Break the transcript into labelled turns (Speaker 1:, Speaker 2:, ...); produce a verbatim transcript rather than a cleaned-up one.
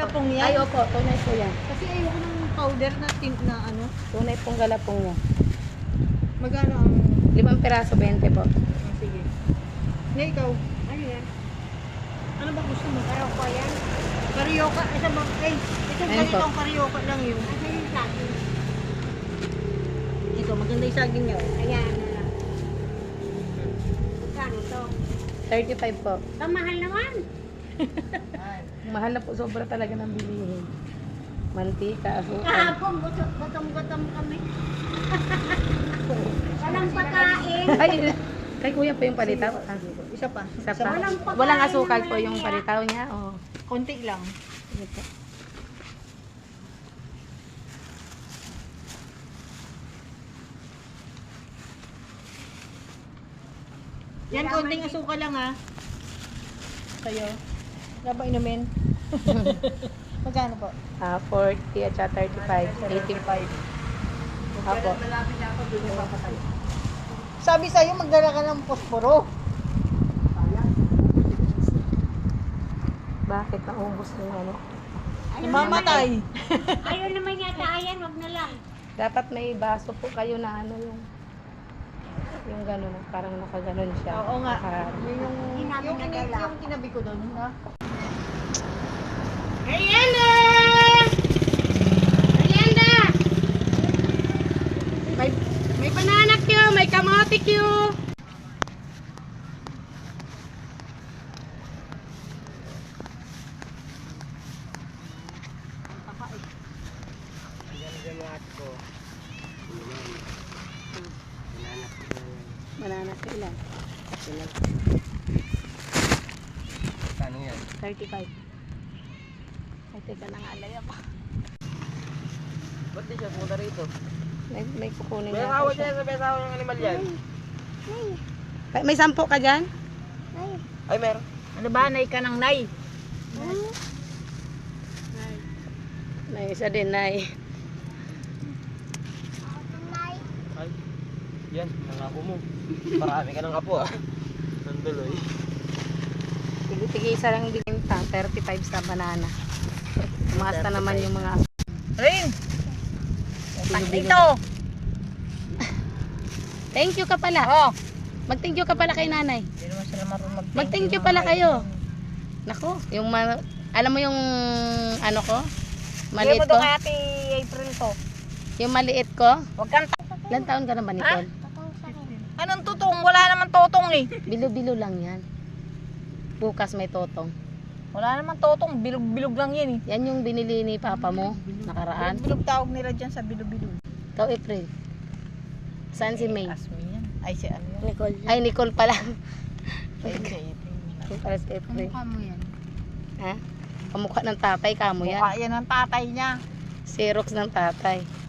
Speaker 1: galapong yan?
Speaker 2: Ay, opo, tunay po yan.
Speaker 1: Kasi ayoko ng powder na tint na ano.
Speaker 2: Tunay pong galapong yan.
Speaker 1: Magkano ang...
Speaker 2: Limang piraso, bente po.
Speaker 1: Ah, sige. Na ikaw? Ano yan? Ano ba gusto mo? Karyoka yan? Karyoka? Ito ba? Ay, ito
Speaker 2: Ayun
Speaker 1: ganitong
Speaker 2: po.
Speaker 1: karyoka lang yun. Ano yung saging? Ito, maganda yung saging niya. Ayan na lang. Magkano to?
Speaker 2: thirty-five po.
Speaker 1: Kamahal naman.
Speaker 2: Mahal na po, sobra talaga ng bilihin. Mantika, asukal.
Speaker 1: Kahapon, gutom-gutom kami. Walang pagkain.
Speaker 2: Ay, kay kuya po yung palitaw. Ah,
Speaker 1: Isa pa.
Speaker 2: isa pa.
Speaker 1: Walang pagkain
Speaker 2: Walang asukal
Speaker 1: naman
Speaker 2: po yung
Speaker 1: niya.
Speaker 2: palitaw niya. Oh.
Speaker 1: Konti lang.
Speaker 2: Sige po.
Speaker 1: Yan, konting asukal lang ha. Sa'yo. Wala ba inumin? Magkano po?
Speaker 2: Ah, forty at saka thirty-five. eighty-five. Apo.
Speaker 1: Sabi sa'yo, magdala ka ng posporo.
Speaker 2: Bakit naubos yung ano?
Speaker 1: Mamatay.
Speaker 3: Ayaw naman yata, ayan, wag na lang.
Speaker 2: Dapat may baso po kayo na ano yung yung gano'n, parang nakaganon siya.
Speaker 1: Oo nga.
Speaker 2: Naka-
Speaker 1: Yun yung,
Speaker 3: Hinabi
Speaker 1: yung,
Speaker 3: na
Speaker 1: yung,
Speaker 3: dala.
Speaker 1: yung kinabi ko doon. Ha?
Speaker 3: Merienda! Merienda! May, may banana Q, may kamote Q.
Speaker 2: Banana ka ilan?
Speaker 4: Kano yan?
Speaker 2: thirty-five. Ay, teka na nga, laya pa.
Speaker 4: Ba't di siya pumunta rito?
Speaker 2: May, may kukunin
Speaker 4: May
Speaker 2: nga
Speaker 4: asawa
Speaker 2: po siya.
Speaker 4: siya sa may asawa ng animal yan.
Speaker 2: May, may sampo ka dyan?
Speaker 4: Ay, meron.
Speaker 1: Ano ba? Nay ka ng nay.
Speaker 2: May isa din, Nay.
Speaker 4: Ay, yan, ang apo mo. Marami ka ng apo ah. Nanduloy.
Speaker 2: Tigil-tigil isa lang binta, thirty-five sa banana. Tumaas na naman yung mga
Speaker 1: Rin!
Speaker 2: bilo-bilo.
Speaker 1: Ito!
Speaker 2: Thank you ka pala.
Speaker 1: Oh!
Speaker 2: Mag-thank you ka pala kay nanay.
Speaker 1: Hindi naman sila marunong mag
Speaker 2: Mag-thank you pala kayo. Nako, yung ma- alam mo yung ano ko? Maliit
Speaker 1: Maliit
Speaker 2: ko?
Speaker 1: mo doon kay Ate April to.
Speaker 2: Yung maliit ko?
Speaker 1: Huwag kang ta-
Speaker 2: Ilan taon ka na ba, Nicole?
Speaker 1: Anong tutong? Wala naman totong eh.
Speaker 2: Bilo-bilo lang yan. Bukas may totong.
Speaker 1: Wala naman totong. Bilog-bilog lang yan eh.
Speaker 2: Yan yung binili ni papa mo nakaraan.
Speaker 1: Bilog tawag nila dyan sa bilog-bilog.
Speaker 2: Ikaw, April. Saan si May?
Speaker 1: Asmi yan. Ay si ano yan?
Speaker 3: Nicole.
Speaker 2: Ay, Nicole pala.
Speaker 1: Ay si April.
Speaker 2: Yung pala si April.
Speaker 3: mo yan?
Speaker 2: Ha? Kamukha ng tatay, kamo yan.
Speaker 1: Mukha yan ang tatay niya.
Speaker 2: Xerox ng tatay.